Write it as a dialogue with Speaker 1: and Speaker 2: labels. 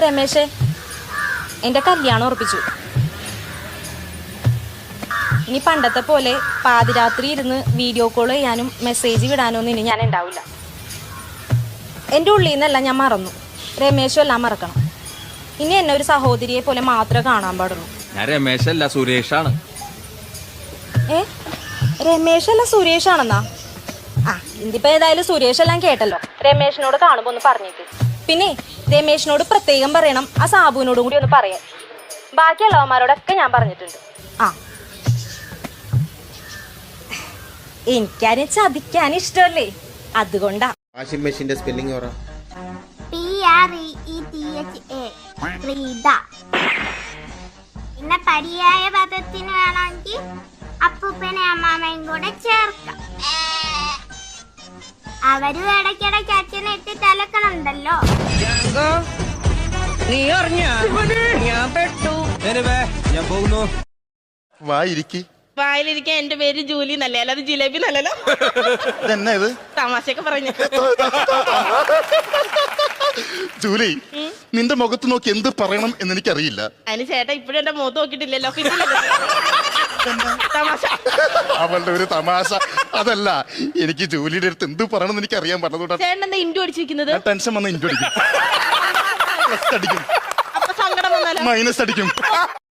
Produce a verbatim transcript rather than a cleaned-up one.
Speaker 1: രമേശേ, എൻ്റെ കല്യാണം ഉറപ്പിച്ചു. ഇനി പണ്ടത്തെ പോലെ പാതിരാത്രി ഇരുന്ന് വീഡിയോ കോൾ ചെയ്യാനും മെസ്സേജ് വിടാനൊന്നും ഇനി ഞാൻ ഉണ്ടാവില്ല. എൻ്റെ ഉള്ളിൽ നിന്നല്ല ഞാൻ മറന്നു. രമേശും എല്ലാം മറക്കണം. ഇനി എന്നെ ഒരു സഹോദരിയെ പോലെ മാത്രമേ കാണാൻ പാടുള്ളൂ.
Speaker 2: ഞാൻ രമേശല്ല, സുരേഷാണ്.
Speaker 1: ഏ രമേശല്ല സുരേഷാണെന്നാ? ആ ഇതിപ്പോ ഏതായാലും സുരേഷ് എല്ലാം കേട്ടല്ലോ. രമേശിനോട് കാണുമ്പോ ഒന്ന് പറഞ്ഞേക്ക്. പിന്നെ രമേശിനോട് പ്രത്യേകം പറയണം, ആ സാബുവിനോടും കൂടി ഒന്ന് പറയാൻ. ബാക്കിയുള്ളവന്മാരോടൊക്കെ ഞാൻ പറഞ്ഞിട്ടുണ്ട്. ആ എനിക്കാരും ചതിക്കാൻ ഇഷ്ടമല്ലേ, അതുകൊണ്ടാ.
Speaker 3: വാഷിംഗ് മെഷീന്റെ സ്പെല്ലിംഗ് പറ.
Speaker 4: P R E E T H A Reetha. പിന്നെ പര്യായ പദത്തിന് വേണമെങ്കിൽ അപ്പൂപ്പനെ അമ്മാമയും കൂടെ ചേർക്കാം. അവരും ഇടയ്ക്കിടയ്ക്ക് അച്ഛനെ ഇട്ട് തലക്കണുണ്ടല്ലോ.
Speaker 5: നീ അറിഞ്ഞ ഞാൻ പെട്ടു.
Speaker 2: ഞാൻ പോകുന്നു.
Speaker 3: വായിരിക്കി
Speaker 5: വായിലിരിക്കാൻ എന്റെ പേര് ജൂലി എന്നല്ലേ, അല്ലാതെ ജിലേബി നല്ലല്ലോ.
Speaker 3: ഇതെന്നാ ഇത്?
Speaker 5: തമാശയൊക്കെ പറഞ്ഞു.
Speaker 3: ജൂലി, നിന്റെ മുഖത്ത് നോക്കി എന്ത് പറയണം എന്ന് എനിക്കറിയില്ല.
Speaker 5: അതിന് ചേട്ടാ ഇപ്പോഴും എന്റെ മുഖത്ത് നോക്കിയിട്ടില്ലല്ലോ. തമാശ.
Speaker 3: അവളുടെ ഒരു തമാശ. അതല്ല, എനിക്ക് ജൂലിയുടെ അടുത്ത് എന്ത് പറയണം എന്ന് എനിക്ക് അറിയാൻ പറ്റുന്നതുകൊണ്ടാണ്.
Speaker 5: ചേട്ടൻ എന്താ ഇൻഡു അടിച്ചിരിക്കുന്നത്?
Speaker 3: ടെൻഷൻ വന്ന് ഇൻഡു അടിക്കും, പ്ലസ് അടിക്കും,
Speaker 5: അപ്പൊ സങ്കടം വന്നാലോ?
Speaker 3: മൈനസ് അടിക്കും.